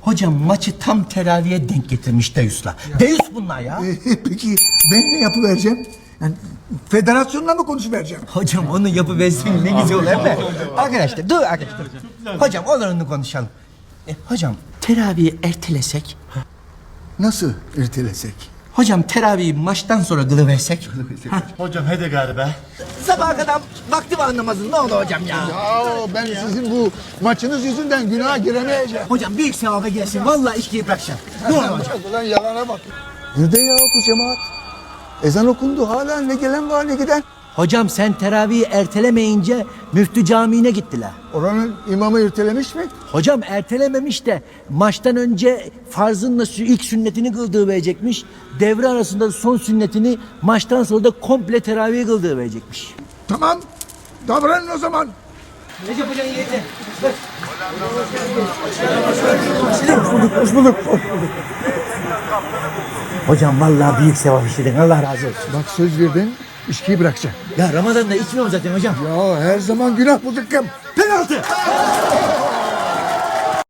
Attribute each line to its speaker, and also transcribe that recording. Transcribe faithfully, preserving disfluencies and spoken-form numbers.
Speaker 1: Hocam maçı tam teraviye denk getirmiş Deus'la. Deus bunlar ya.
Speaker 2: Ee, peki ben ne yapıvereceğim? Yani federasyonla mı konuşuvereceğim?
Speaker 1: Hocam onu yapıversin ne güzel olur değil mi? Arkadaşlar dur arkadaşlar. Hocam olur onu konuşalım. E, hocam teraviyi ertelesek.
Speaker 2: Nasıl ertelesek?
Speaker 1: Hocam teraviyi maçtan sonra kılıversek.
Speaker 3: Hocam hadi galiba.
Speaker 1: Sabaha kadar vakti var namazın ne olur hocam ya.
Speaker 2: Ya ben sizin bu maçınız yüzünden günaha giremeyeceğim.
Speaker 1: Hocam büyük sevaba gelsin. Vallahi içkiyi bırakacağım. Ne olur hocam.
Speaker 2: Ulan yalana bak. Nerede ya bu cemaat? Ezan okundu hala ne gelen var ne giden.
Speaker 1: Hocam sen teravihi ertelemeyince müftü camiine gittiler.
Speaker 2: Oranın imamı ertelemiş mi?
Speaker 1: Hocam ertelememiş de maçtan önce farzınla sü- ilk sünnetini kıldığı verecekmiş. Devre arasında son sünnetini maçtan sonra da komple teravih kıldığı verecekmiş.
Speaker 2: Tamam. Davranın o zaman.
Speaker 1: Recep Hoca'nın yerine.
Speaker 2: Hoş bulduk.
Speaker 1: Hocam vallahi büyük sevap işledin. Allah razı olsun.
Speaker 2: Bak söz verdin. İçkiyi bırakacağım.
Speaker 1: Ya Ramazan'da içmiyorum zaten hocam.
Speaker 2: Ya her zaman günah bu zıkkım.
Speaker 1: Penaltı.